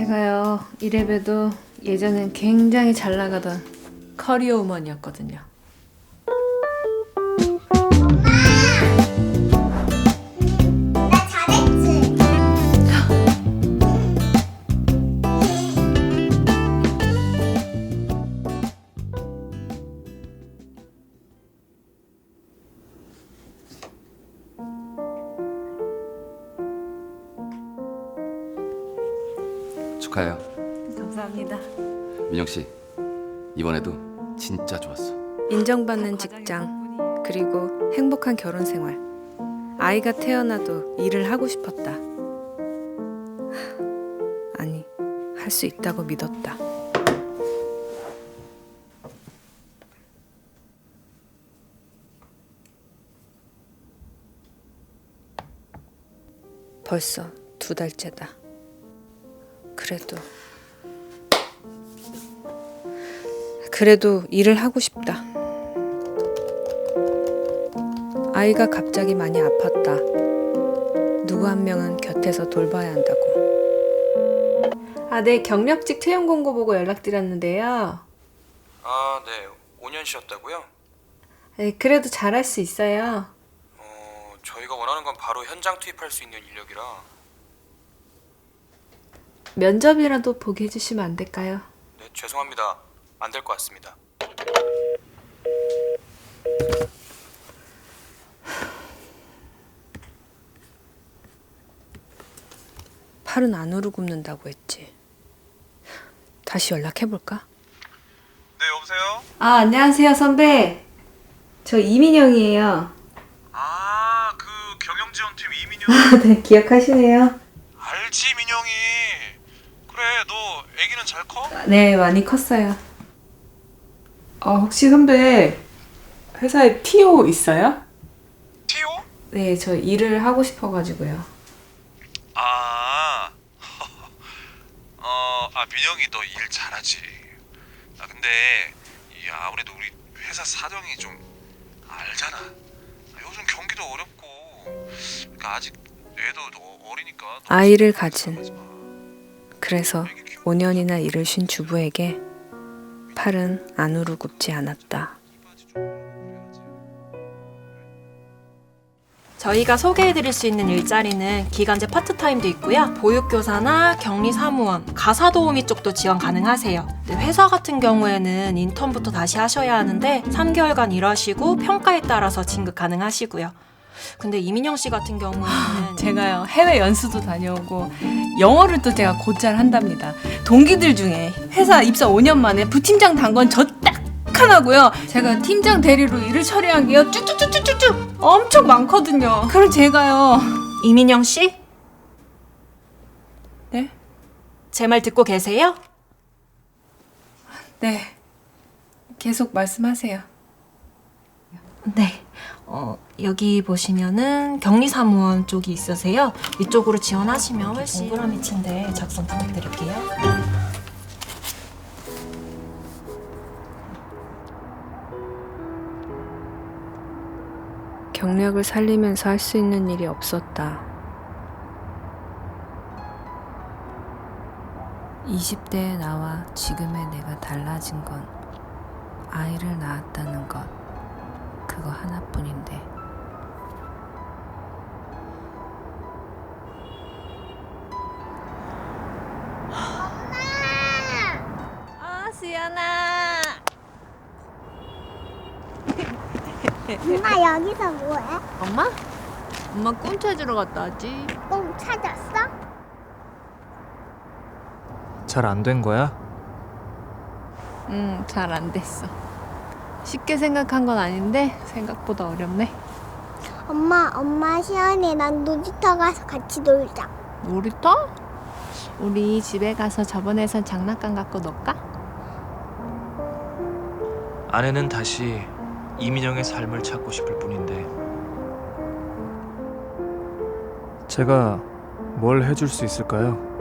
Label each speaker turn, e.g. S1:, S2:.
S1: 제가요, 이래봬도 예전엔 굉장히 잘 나가던 커리어 우먼이었거든요.
S2: 나 잘했지?
S3: 축하해요.
S1: 감사합니다.
S3: 민영 씨, 이번에도 진짜 좋았어.
S1: 인정받는 직장, 그리고 행복한 결혼 생활. 아이가 태어나도 일을 하고 싶었다. 아니, 할 수 있다고 믿었다. 벌써 2달째다. 그래도 일을 하고 싶다. 아이가 갑자기 많이 아팠다. 누구 한 명은 곁에서 돌봐야 한다고. 네, 경력직 채용 공고 보고 연락드렸는데요.
S4: 아, 네. 5년 쉬었다고요?
S1: 네, 그래도 잘할 수 있어요.
S4: 저희가 원하는 건 바로 현장 투입할 수 있는 인력이라.
S1: 면접이라도 보게 해주시면 안 될까요?
S4: 네, 죄송합니다. 안 될 것 같습니다.
S1: 팔은 안으로 굽는다고 했지. 다시 연락해볼까?
S4: 네, 여보세요?
S1: 안녕하세요, 선배. 저 이민영이에요.
S4: 아, 그 경영지원팀 이민영.
S1: 네, 기억하시네요.
S4: 알지, 민영이. 그래, 너 애기는 잘 커?
S1: 네, 많이 컸어요.
S5: 혹시 선배 회사에 TO 있어요?
S4: 티오?
S1: 네, 저 일을 하고 싶어가지고요.
S4: 아, 민영이 너 일 잘하지. 근데 아무래도 우리 회사 사정이 좀 알잖아. 요즘 경기도 어렵고, 그러니까 아직 애도 어리니까.
S1: 아이를 가진, 그래서 5년이나 일을 쉰 주부에게 팔은 안으로 굽지 않았다.
S6: 저희가 소개해드릴 수 있는 일자리는 기간제 파트타임도 있고요. 보육교사나 격리사무원, 가사도우미 쪽도 지원 가능하세요. 회사 같은 경우에는 인턴부터 다시 하셔야 하는데 3개월간 일하시고 평가에 따라서 진급 가능하시고요. 근데 이민영 씨 같은 경우에는
S5: 제가요 해외 연수도 다녀오고 영어를 또 제가 곧잘 한답니다. 동기들 중에 회사 입사 5년 만에 부팀장 단 건 저 딱 하나고요. 제가 팀장 대리로 일을 처리한 게요 쭉쭉쭉쭉쭉 엄청 많거든요. 그럼 제가요.
S6: 이민영 씨?
S5: 네?
S6: 제 말 듣고 계세요?
S5: 네. 계속 말씀하세요.
S6: 네. 여기 보시면은 격리사무원 쪽이 있으세요. 이쪽으로 지원하시면 훨씬 동그라미 친데 작성 부탁드릴게요.
S1: 경력을 살리면서 할 수 있는 일이 없었다. 20대의 나와 지금의 내가 달라진 건 아이를 낳았다는 것, 그거 하나뿐인데. 수연아.
S2: 엄마 여기서 뭐해?
S1: 엄마? 엄마 꿈 찾으러 갔다 왔지.
S2: 똥 찾았어?
S7: 잘 안 된 거야?
S1: 응, 잘 안 됐어. 쉽게 생각한 건 아닌데 생각보다 어렵네.
S2: 엄마 시연이랑 놀이터 가서 같이 놀자.
S1: 놀이터? 우리 집에 가서 저번에선 장난감 갖고 놀까?
S7: 아내는 다시 이민영의 삶을 찾고 싶을 뿐인데 제가 뭘 해줄 수 있을까요?